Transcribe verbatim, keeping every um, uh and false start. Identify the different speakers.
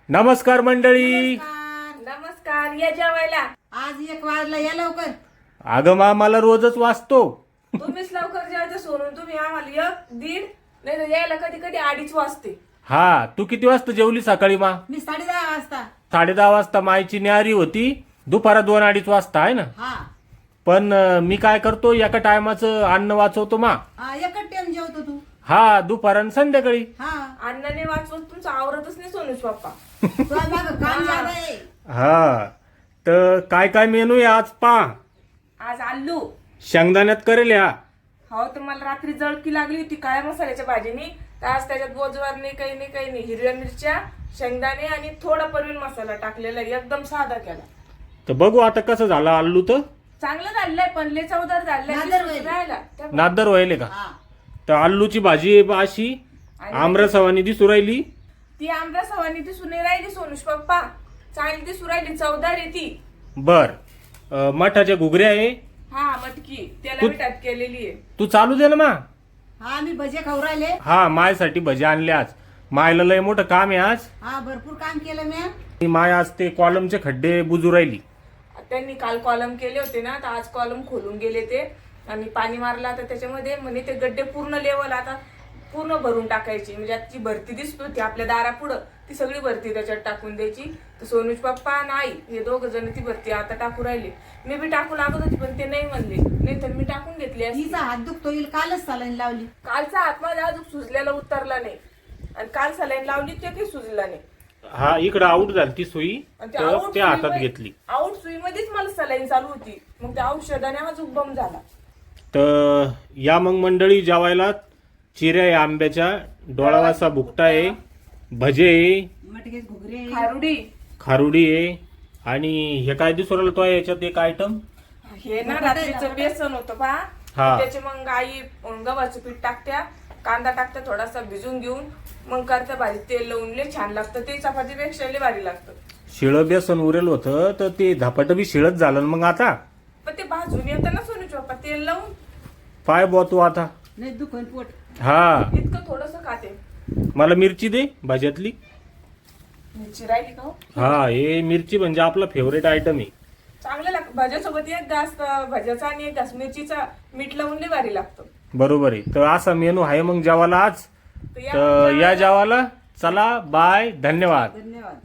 Speaker 1: नमस्कार मंडळी.
Speaker 2: नमस्कार. या जेवायला.
Speaker 3: आज एक वाजला, या लवकर.
Speaker 1: अगं मा मला रोजच वाचतो.
Speaker 2: तुम्हीच लवकर जेवायचं सोडून तुम्ही आम्हाला एक दीड नाही तर यायला कधी कधी अडीच वाजते.
Speaker 1: हा, तू किती वाजता जेवली सकाळी मा?
Speaker 3: मी साडे दहा वाजता.
Speaker 1: साडे दहा वाजता मायची न्यारी होती. दुपारा दोन अडीच वाजता आहे ना.
Speaker 3: हा
Speaker 1: पण अं, मी काय करतो, एका टायमाचं अन्न वाचवतो मा.
Speaker 3: हा एकच टाइम जेवतो तू.
Speaker 1: हा, दुपार आणि संध्याकाळी.
Speaker 3: हा
Speaker 2: अण्णाने वाचवत तुमचं आवरतच नाही सोनूच पप्पा.
Speaker 3: तुला मागं काम ज्यादा आहे.
Speaker 1: हा, तर काय काय मेनू आहे आज पा?
Speaker 2: आज आलू.
Speaker 1: शेंगदाण्यात करेल ह्या.
Speaker 2: हो, तर मला रात्री जळकी लागली होती काळ्या मसाल्याच्या भाजीनी. तर आज त्याच्यात बोजवार नाही, काही नाही, काही नाही. हिरव्या मिरच्या, शेंगदाणे आणि थोडा परवीन मसाला टाकलेला आहे. एकदम साधा केला.
Speaker 1: तर बघू आता कसं झालं आल्लू. तर
Speaker 2: चांगलं झालंय पण लय चवदार झालंय.
Speaker 3: नादर
Speaker 2: विसरून
Speaker 3: होईल.
Speaker 2: राहिला. त्या-
Speaker 1: नादर व्हायले का?
Speaker 3: हा
Speaker 1: तर आल्लूची भाजी आहे अशी
Speaker 2: आणि
Speaker 1: आमरसवानी दिसू राहिली.
Speaker 2: ती आमच्या सवानी दिसून नाही राहिली सोनूश पप्पा. चांगली दिसून राहिली, चवदार आहे ती.
Speaker 1: बर. अं, मठाच्या घुगऱ्या आहे.
Speaker 2: हा, मटकी त्याला
Speaker 1: तू-
Speaker 2: मिठात केलेली आहे.
Speaker 1: तू चालू दे ना मा.
Speaker 3: हा मी भजे खाऊ राहिले.
Speaker 1: हा, मायसाठी भजी आणले आज. मायला लय मोठं काम आहे आज.
Speaker 3: हा भरपूर काम केलं मी.
Speaker 1: ती माय आज ते कॉलमचे खड्डे बुजू राहिली.
Speaker 2: त्यांनी काल कॉलम केले होते ना, तर आज कॉलम खोलून गेले ते आणि पाणी मारलं. आता त्याच्यामध्ये म्हणजे ते गड्डे पूर्ण लेवल आता पूर्ण भरून टाकायची. म्हणजे आता जी भरती दिसतो ती आपल्या दारापुढं ती सगळी भरती त्याच्यात टाकून द्यायची. तर सोनूज पप्पा नाही हे दोघ जण ती भरती आता टाकू राहिले. मी बी टाकू लागत होती पण ते नाही म्हणले, नाही तर मी टाकून घेतली असती.
Speaker 3: तिचा हात दुखतो येईल, कालच सलाईन लावली.
Speaker 2: कालचा हात माझा अजून सुजल्याला उतरला नाही आणि काल सलाईन लावली ते काही सुजला नाही.
Speaker 1: हा, इकडं आऊट झाली ती सुई,
Speaker 2: आणि ते
Speaker 1: तर
Speaker 2: आऊट
Speaker 1: त्या हातात
Speaker 2: सुईमध्ये-
Speaker 1: घेतली.
Speaker 2: आऊट सुईमध्येच मला सलाईन चालू होती. मग त्या औषधाने माझा उगम झाला.
Speaker 1: तर या मग मंडळी जेवायला. चिऱ्या आहे आंब्याच्या, डोळावासा भुकटा आहे, भजे आहे,
Speaker 3: मटके घुगरे.
Speaker 2: खारुडी.
Speaker 1: खारुडी आहे आणि हे काय दिसू राहिलं तो याच्यात एक आयटम.
Speaker 2: हे ना रात्रीचं बेसन होतं पहा.
Speaker 1: हा.
Speaker 2: त्याचे मग आई गव्हाचं पीठ टाकत्या, कांदा टाकत्या थोडासा भिजून घेऊन मग करता भाजी. तेल लावून लय छान लागतं ते. चपातीपेक्षा लय भारी लागतं.
Speaker 1: शिळं बेसन उरेल होतं तर ते धपाट बी शिळच झालं ना मग आता.
Speaker 2: पण ते भाजून येतं ना सोनू चोपा तेल लावून.
Speaker 1: पाय बो तू आता.
Speaker 3: नाही दुखन पोट.
Speaker 1: हा,
Speaker 2: इतकं थोडस खाते.
Speaker 1: मला मिरची दे भाज्यातली.
Speaker 2: मिरची राहिली का हो?
Speaker 1: हा, हे मिरची म्हणजे आपला फेवरेट आयटम आहे.
Speaker 2: चांगलं लागतं भाज्यासोबत. एक घास भाज्याचा आणि एक घास मिरचीचा मीठ लावून लय भारी लागतं.
Speaker 1: बरोबर आहे. तर असा मेनू आहे मग जेवायला आज.
Speaker 2: तर या
Speaker 1: तर या जेवायला चला, बाय, धन्यवाद.
Speaker 3: धन्यवाद.